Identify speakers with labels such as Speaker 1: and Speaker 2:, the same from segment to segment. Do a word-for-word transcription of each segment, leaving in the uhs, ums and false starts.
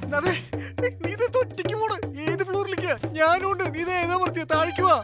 Speaker 1: അതെ നീ ഇത് തൊറ്റയ്ക്ക് പോണ് ഏത് ഫ്ലോറിലേക്കാ? ഞാനുണ്ട്. നീ ഇത് ഏതാ പറഞ്ഞ താഴേക്ക് വാ.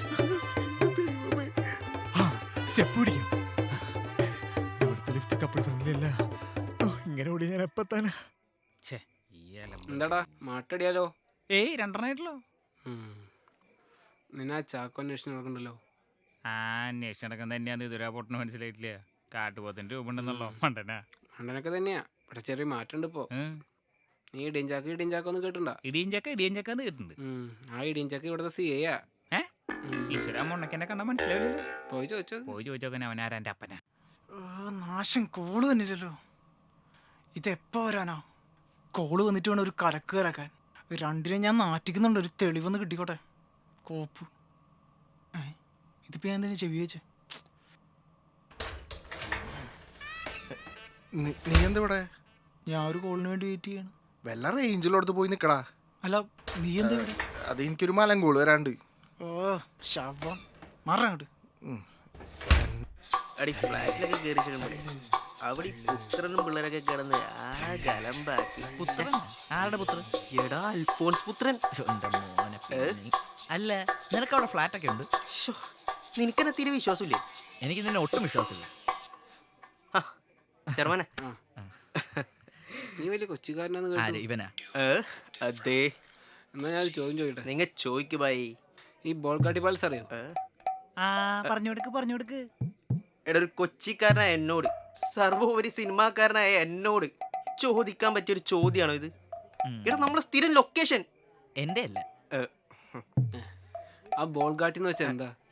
Speaker 1: സ്റ്റെപ്പ് പിടിക്കാം. ഇവിടുത്തെ ലിഫ്റ്റ് കപ്പിൾ ഫ്രണ്ട്ലിയല്ല. ഇങ്ങനെ ഓടി ഞാൻ എപ്പത്താനാ?
Speaker 2: എന്താടാ മാട്ടടിയാലോ?
Speaker 1: ഏയ് രണ്ടെണ്ണായിട്ടല്ലോ.
Speaker 2: നിന്നെ ആ ചാക്കോ അന്വേഷണം നടക്കണ്ടല്ലോ.
Speaker 1: ആ അന്വേഷണം നടക്കുന്ന തന്നെയാന്ന് ഇതുവരെ പൊട്ടന് മനസ്സിലായിട്ടില്ല. കാട്ടുപോത്തിന്റെ രൂപ ഉണ്ടെന്നല്ലോ മണ്ടനാ.
Speaker 2: മണ്ടനൊക്കെ തന്നെയാ. പക്ഷെ ചെറിയ മാറ്റമുണ്ട് ഇപ്പോ. നീ ഇടിയഞ്ചാക്ക് ഇടിയഞ്ചാക്ക ഒന്നും കേട്ടിട്ടുണ്ടാ?
Speaker 1: ഇടിയഞ്ചക്ക ഇടിയഞ്ചക്കാന്ന് കേട്ടിട്ടുണ്ട്.
Speaker 2: ആ ഇടിയഞ്ചാക്ക ഇവിടുത്തെ സി എയാ.
Speaker 1: ഏ ഈശ്വര മൊണ്ണക്കെന്നെ കണ്ടാ മനസ്സിലാവില്ലല്ലോ.
Speaker 2: പോയി ചോദിച്ചോ
Speaker 1: പോയി ചോദിച്ചോക്കനെ അവനാരാ എൻ്റെ അപ്പനാ.
Speaker 3: നാശം കോള് വന്നില്ലല്ലോ. ഇതെപ്പോ വരാനാ? കോള് വന്നിട്ട് വേണം ഒരു കലക്ക് കലക്കാൻ. രണ്ടിനെ ഞാൻ നാറ്റിക്കുന്നുണ്ട്. ഒരു തെളിവൊന്ന് കിട്ടിക്കോട്ടെ. കോപ്പ് ഏ ഇതിപ്പോ ഞാൻ എന്തിനാ ചെവി വെച്ചേ?
Speaker 4: നീ എന്താ ഇവിടെ?
Speaker 3: ഞാൻ ഒരു കോളിന് വേണ്ടി വെയിറ്റ് ചെയ്യാണ്.
Speaker 4: വല്ല റേഞ്ചിലോടത്ത് പോയി നിക്കടാ.
Speaker 3: അല്ല നീ എന്താ ഇവിടെ?
Speaker 4: അത് എനിക്കൊരു മലം കോള് വരാണ്ട്.
Speaker 3: ഓ ശവം മാറങ്ങോട്ട്.
Speaker 5: അടി ഫ്ലാറ്റിലൊക്കെ കയറി ചെല്ലുമ്പോഴേ അവിടെ പുത്രനും പിള്ളേരൊക്കെ കിടന്ന് ആ ഗലമ്പാക്കി.
Speaker 1: പുത്രൻ ആരുടെ പുത്രൻ?
Speaker 5: എടാ അൽഫോൺസ് പുത്രൻ.
Speaker 1: അല്ല നിനക്ക് അവിടെ ഫ്ലാറ്റ് ഒക്കെ ഉണ്ട്?
Speaker 5: നിനക്കെന്നെ തീരെ വിശ്വാസമില്ലേ?
Speaker 1: എനിക്ക് നിന്നെ ഒട്ടും വിശ്വാസമില്ല.
Speaker 5: ശർമ്മനെ
Speaker 2: നീ വലിയ കൊച്ചുകാരനാന്ന് കേട്ടു.
Speaker 1: ഇവനാ?
Speaker 5: അതെ.
Speaker 2: എന്നാ ഞാൻ ഒരു ചോദ്യം ചോദിക്കട്ടെ?
Speaker 5: നിങ്ങ ചോയ്ക്ക് ബായി.
Speaker 2: ഈ ബോൾഗാട്ടി പാൽസ് അറിയോ?
Speaker 1: പറഞ്ഞു കൊടുക്ക് പറഞ്ഞു കൊടുക്ക്.
Speaker 5: എടാ ഒരു കൊച്ചിക്കാരനായ എന്നോട്, സർവോപരി സിനിമാക്കാരനായ എന്നോട് ചോദിക്കാൻ പറ്റിയൊരു ചോദ്യമാണോ ഇത്? എടാ നമ്മളെ സ്ഥിരം ലൊക്കേഷൻ
Speaker 1: എന്റെ അല്ല.
Speaker 2: ആ ബോൾഗാട്ടി എന്ന് വെച്ചാൽ എന്താ?